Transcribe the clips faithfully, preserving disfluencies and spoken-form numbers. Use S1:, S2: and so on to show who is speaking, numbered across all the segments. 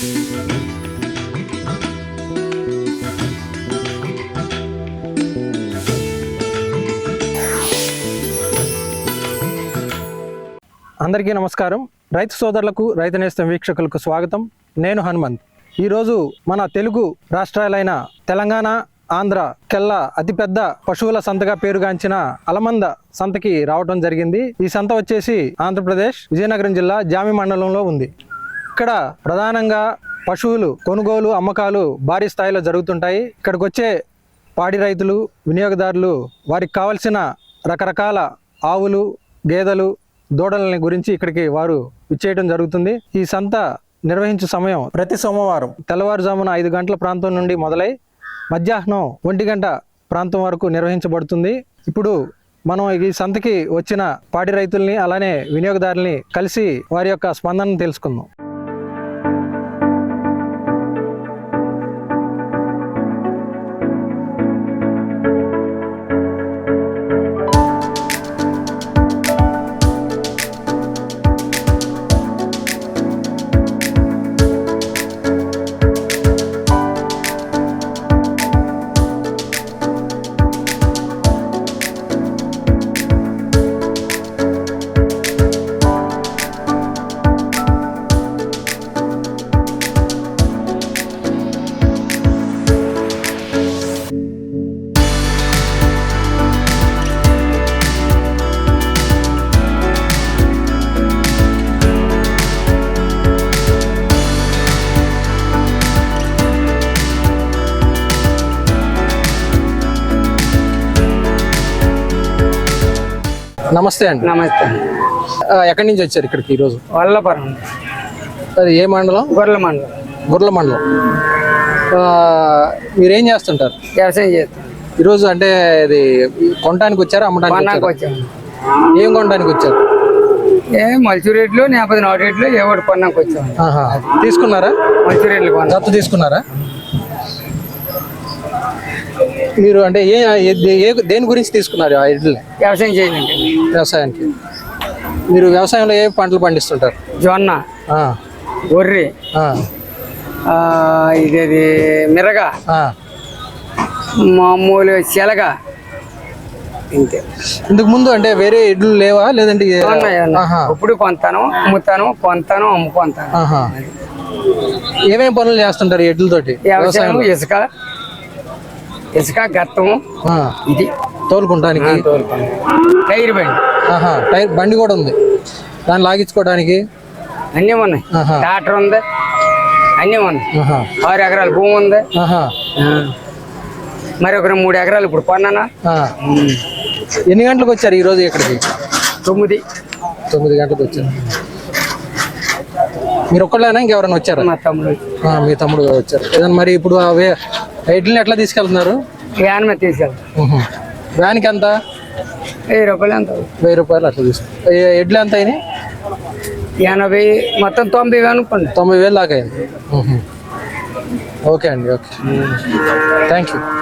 S1: అందరికీ నమస్కారం. రైతు సోదరులకు, రైతు నేస్తం వీక్షకులకు స్వాగతం. నేను హనుమంత్. ఈరోజు మన తెలుగు రాష్ట్రాలైన తెలంగాణ, ఆంధ్ర కెల్లా అతిపెద్ద పశువుల సంతగా పేరుగాంచిన అలమంద సంతకి రావడం జరిగింది. ఈ సంత వచ్చేసి ఆంధ్రప్రదేశ్ విజయనగరం జిల్లా జామి మండలంలో ఉంది. ఇక్కడ ప్రధానంగా పశువులు కొనుగోలు, అమ్మకాలు భారీ స్థాయిలో జరుగుతుంటాయి. ఇక్కడికి వచ్చే పాడి రైతులు, వినియోగదారులు వారికి కావలసిన రకరకాల ఆవులు, గేదెలు, దూడలని గురించి ఇక్కడికి వారు ఇచ్చేయడం జరుగుతుంది. ఈ సంత నిర్వహించే సమయం ప్రతి సోమవారం తెల్లవారుజామున ఐదు గంటల ప్రాంతం నుండి మొదలై మధ్యాహ్నం ఒంటి గంట ప్రాంతం వరకు నిర్వహించబడుతుంది. ఇప్పుడు మనం ఈ సంతకి వచ్చిన పాడి రైతుల్ని అలానే వినియోగదారుల్ని కలిసి వారి యొక్క స్పందనను తెలుసుకుందాం. నమస్తే అండి.
S2: నమస్తే.
S1: ఎక్కడి నుంచి వచ్చారు ఇక్కడికి ఈరోజు?
S2: వల్లపురం.
S1: అది ఏ మండలం?
S2: గొర్రెల మండలం.
S1: గొర్రెల మండలం. మీరేం చేస్తుంటారు?
S2: వ్యవసాయం చేస్తాం.
S1: ఈరోజు అంటే ఇది కొనడానికి వచ్చారా, అమ్మడానికి
S2: వచ్చాము?
S1: ఏం కొనడానికి వచ్చారు?
S2: ఏ మల్చు రేట్లు, లేకపోతే నాటు రేట్లు ఏ ఒకటి కొనడానికి వచ్చాము.
S1: తీసుకున్నారా?
S2: మల్చు రేట్లు కొన్నా.
S1: దత్తు తీసుకున్నారా? మీరు అంటే ఏ దేని గురించి తీసుకున్నారు ఆ ఎడ్లు?
S2: వ్యవసాయం చేయండి.
S1: వ్యవసాయానికి. మీరు వ్యవసాయంలో ఏ పంటలు పండిస్తుంటారు?
S2: జొన్న, గొర్రె, ఇది మిరగ, మామూలు శెలగ, ఇంతే.
S1: ఇంతకు ముందు అంటే వేరే ఎడ్లు లేవా లేదంటే?
S2: ఇప్పుడు కొంతాను, అమ్ముతాను, కొంతాను, అమ్ముకుంటాను.
S1: ఏమేమి పనులు చేస్తుంటారు ఎడ్లతోటి?
S2: వ్యవసాయం, ఇసుక ఇసుక గత్తము, ఇది
S1: తోలుకుంటానికి.
S2: టైర్ బండి.
S1: టైర్ బండి కూడా ఉంది, దాన్ని లాగించుకోవడానికి
S2: అన్నీ ఉన్నాయి. ట్రాక్టర్ ఉంది, అన్నీ ఉన్నాయి. ఆరు ఎకరాల భూమి ఉంది. మరి ఒక మూడు ఎకరాలు ఇప్పుడు కొన్నానా.
S1: ఎన్ని గంటలకు వచ్చారు ఈరోజు ఇక్కడికి?
S2: తొమ్మిది
S1: తొమ్మిది గంటలకు వచ్చారు. మీరు ఒక్కళ్ళైనా ఇంకెవరైనా వచ్చారా?
S2: మా తమ్ముడు.
S1: మీ తమ్ముడు వచ్చారు. ఏదన్నా మరి ఇప్పుడు ఎడ్లని ఎట్లా తీసుకెళ్తున్నారు?
S2: వ్యాన్ మీద తీసుకెళ్తారు.
S1: వ్యాన్కి ఎంత?
S2: వెయ్యి రూపాయలు. ఎంత?
S1: వెయ్యి రూపాయలు అట్లా తీసుకు. ఎడ్లు ఎంత అయినాయి?
S2: ఎనభై, మొత్తం తొంభై వేలు అనుకోండి.
S1: తొంభై వేలు దాకా అయింది. ఓకే అండి, ఓకే, థ్యాంక్ యూ.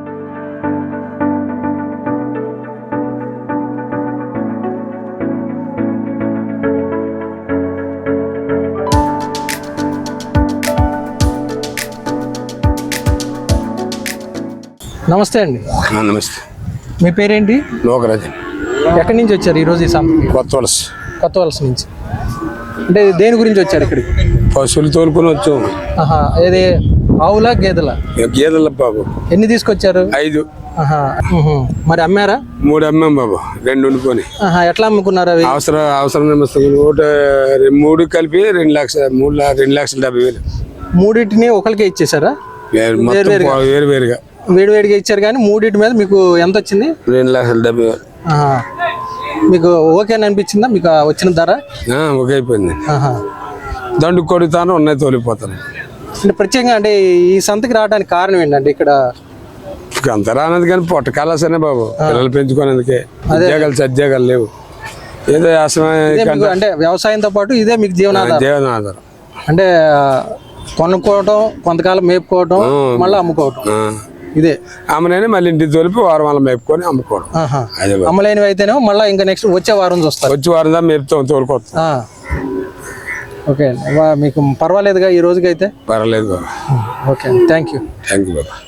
S1: నమస్తే అండి.
S3: నమస్తే.
S1: మీ పేరేంటి?
S3: లోకరాజు.
S1: ఎక్కడి నుంచి వచ్చారు ఈరోజు ఈ సంతకి?
S3: కొత్త వలస.
S1: కొత్త వలస నుంచి. అంటే దేని గురించి వచ్చారు ఇక్కడికి?
S3: పశువులు తోలుకొని వచ్చాము.
S1: ఏది, ఆవులా గేదెలా?
S3: గేదెల బాబు.
S1: ఎన్ని తీసుకొచ్చారు?
S3: ఐదు.
S1: మరి అమ్మారా?
S3: మూడు అమ్మాం బాబు, రెండు వండుకొని.
S1: ఎట్లా అమ్ముకున్నారు అవి?
S3: అవసరం అవసరం ఒకటి మూడు కలిపి రెండు లక్షల మూడు రెండు లక్షల డెబ్బై వేలు.
S1: మూడింటిని ఒకరికే ఇచ్చేసారా?
S3: వేరు వేరుగా
S1: వేడి వేడిగా ఇచ్చారు. కానీ మూడింటి మీద మీకు ఎంత వచ్చింది?
S3: రెండు లక్షల డెబ్బై వేలు.
S1: మీకు ఓకే అని అనిపించిందా మీకు వచ్చిన ధర?
S3: ఓకే అయిపోయింది. దండు కొడుతాను, ఉన్నాయి తోలిపోతాను.
S1: అంటే ప్రత్యేకంగా అంటే ఈ సంతకి రావడానికి కారణం ఏంటంటే ఇక్కడ
S3: అంత రానది కానీ పొట్ట కాలాసనే బాబు, పిల్లలు పెంచుకునేందుకే. ఉద్యోగాలు సద్యోగాలు లేవు. ఏదో
S1: అంటే వ్యవసాయంతో పాటు ఇదే మీకు జీవనాధారం.
S3: జీవనాధారం
S1: అంటే కొనుక్కోవటం, కొంతకాలం మేపుకోవటం, మళ్ళీ అమ్ముకోవటం, ఇదే.
S3: అమ్మలేని మళ్ళీ ఇంటికి తోలిపి వారం వల్ల మేపుకొని అమ్ముకోవడం.
S1: అమ్మలేనివి అయితేనే మళ్ళీ ఇంకా నెక్స్ట్ వచ్చే వారం చూస్తారు.
S3: వచ్చే వారం దా మేపుతాం, తోలుకోవడం.
S1: ఓకే వా- మీకు పర్వాలేదుగా ఈ రోజుకైతే?
S3: పర్వాలేదు బాబు.
S1: Okay, thank you.
S3: Thank you బాబా.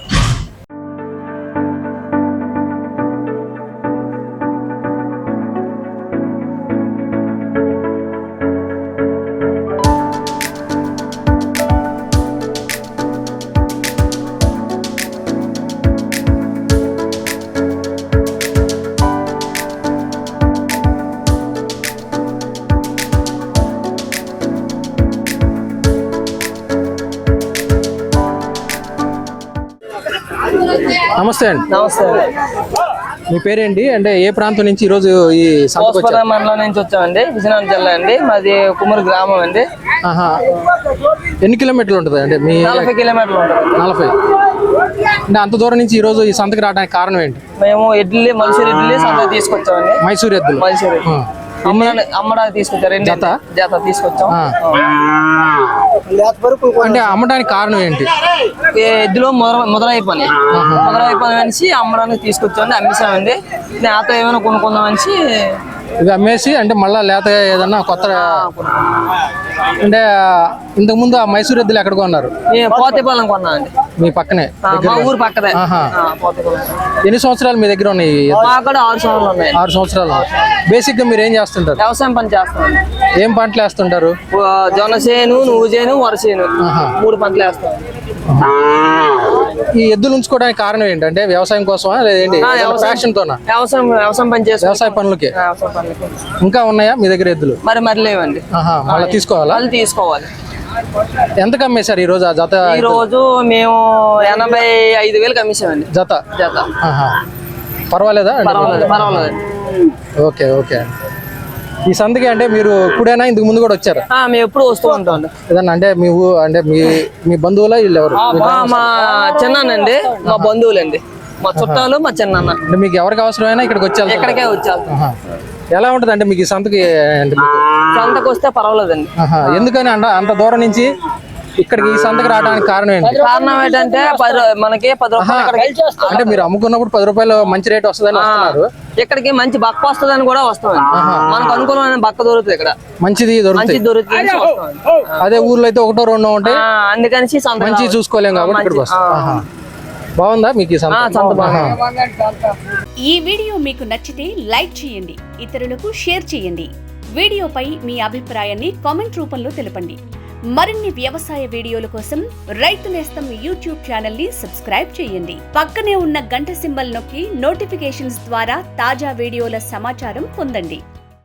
S1: నమస్తే అండి.
S4: నమస్తే
S1: మీ పేరేంటి, అంటే ఏ ప్రాంతం నుంచి ఈరోజు ఈ సంతకు వచ్చారు?
S4: పోస్పర మండలం నుంచి వచ్చామండి, విజయనగరం జిల్లా అండి. మాది కుమ్మరి గ్రామం అండి.
S1: ఆహా. ఎన్ని కిలోమీటర్లు ఉంటుంది అంటే మీ?
S4: నలభై కిలోమీటర్లు ఉంటుంది.
S1: నలభై. అంటే అంత దూరం నుంచి ఈరోజు ఈ సంతకి రావడానికి కారణం ఏంటి?
S4: మేము ఇడ్లీ మైసూర్ ఇడ్లీ సంతకు తీసుకొచ్చామండి.
S1: మైసూర్ ఎద్దులు
S4: మైసూర్ ఇడ్లీ. అమ్మడానికి అమ్మడానికి తీసుకొచ్చారు. రెండు
S1: జత?
S4: జత తీసుకొచ్చాం.
S1: అంటే అమ్మడానికి కారణం ఏంటి?
S4: ఈ ఎద్దులో ముదర ముదరై పని ముదరై పని అనేసి అమ్మడానికి తీసుకొచ్చామండి. అమ్మేసామండి. నాతో ఏమైనా కొనుక్కుందాం అనేసి
S1: ఇది అమ్మేసి అంటే మళ్ళీ లేత ఏదన్నా కొత్త, అంటే ఇంతకు ముందు ఆ మైసూర్ ఎద్దులు ఎక్కడ కొన్నారు?
S4: మేము పోతేపాలెం కొన్నామండి.
S1: మీ పక్కనే?
S4: ఆ, మా ఊరు పక్కదే.
S1: ఆహా.
S4: ఆ, పోతేపాలెం.
S1: ఎన్ని సంవత్సరాలు మీ దగ్గర ఉన్నాయి?
S4: మా కూడా ఆరు సంవత్సరాలు ఉన్నాయి.
S1: ఆరు సంవత్సరాలు. బేసిక్ గా మీరు ఏం చేస్తుంటారు?
S4: వ్యవసాయం పని చేస్తామండి.
S1: ఏం పంటలు వేస్తుంటారు?
S4: జొన్న చేను, నువ్వు చేను, వర చేను,
S1: ఆహా.
S4: మూడు పంటలు వేస్తాం.
S1: ఈ ఎద్దులు ఉంచుకోవడానికి కారణం ఏంటంటే వ్యవసాయం కోసమా లేదండి
S4: ఆ, వ్యవసాయం.
S1: ఫ్యాషన్ తోనా?
S4: వ్యవసాయం వ్యవసాయం పని చేస్తాం.
S1: వ్యవసాయ పనులకి.
S4: వ్యవసాయం పనులకి.
S1: ఇంకా ఉన్నాయా మీ దగ్గర ఎద్దులు?
S4: మరి మరి లేవండి.
S1: ఆహా, మళ్ళీ తీసుకోవాలా?
S4: వాళ్ళు తీసుకోవాలి.
S1: ఎంత అమ్మేశారు ఈ రోజు ఆ జత?
S4: ఈ రోజు మేము ఎనభై ఐదు వేలు కమిసామండి
S1: జత.
S4: జత.
S1: ఆహా. పర్వాలేదా అంటే?
S4: పర్వాలేదు పర్వాలేదు.
S1: Okay okay. ఈ సంతకి అంటే మీరు ఇప్పుడైనా ఇంతకు ముందు కూడా వచ్చారా?
S4: ఆ, మేము ఎప్పుడు వస్తూ ఉంటాం.
S1: ఏదన్నా అంటే మీ ఊ అంటే మీ మీ బంధువులా వీళ్ళు ఎవరు?
S4: మా మా చిన్నానండి, మా బంధువులండి, మా చుట్టాలు, మా చిన్నాన్న.
S1: అంటే మీకు ఎవరికి అవసరమైనా ఇక్కడికి వచ్చేయాలి?
S4: ఎక్కడికే వచ్చారు.
S1: ఆహా. ఎలా ఉంటుంది అంటే మీకు ఈ సంతకి అంటే మీకు?
S4: సంతకు వస్తే పర్వాలేదండి.
S1: ఆహా. ఎందుకని అంట అంత దూరం నుంచి ఇక్కడికి ఈ సంతకి రావడానికి కారణం ఏంటి?
S4: కారణం ఏంటంటే పది రూ- మనకి పది రూపాయలు ఇక్కడికి
S1: అంటే మీరు అమ్ముకున్నప్పుడు పది రూపాయలు మంచి రేట్ వస్తుందని వస్తున్నారు.
S4: ఇక్కడికి మంచి బక్క వస్తుందని కూడా వస్తామండి. మనకు అనుకూలమైన బక్క దొరుకుతుంది ఇక్కడ,
S1: మంచిది
S4: మంచి
S1: దొరుకుతుంది.
S4: దొరుకుతుంది అనేసి వస్తామండి.
S1: అదే ఊర్లో అయితే ఒకటో రెండో ఉంటాయి,
S4: ఆ, అందుకనిసి సంత
S1: మంచి
S4: కావాలి.
S1: చూసుకోలేం కాబట్టి
S4: మంచి-
S1: ఇక్కడికి వస్తాం.
S4: ఆ.
S1: ఆహా. బాగుందా మీకు ఈ సంత?
S4: ఆ, సంత బాగుంది.
S1: ఆహా.
S5: ఈ వీడియో మీకు నచ్చితే లైక్ చేయండి, ఇతరులకు షేర్ చేయండి. వీడియోపై మీ అభిప్రాయాన్ని కామెంట్ రూపంలో తెలపండి. మరిన్ని వ్యవసాయ వీడియోల కోసం రైతు నేస్తం యూట్యూబ్ ఛానల్ ని సబ్స్క్రైబ్ చేయండి. పక్కనే ఉన్న గంట సింబల్ నొక్కి నోటిఫికేషన్స్ ద్వారా తాజా వీడియోల సమాచారం పొందండి.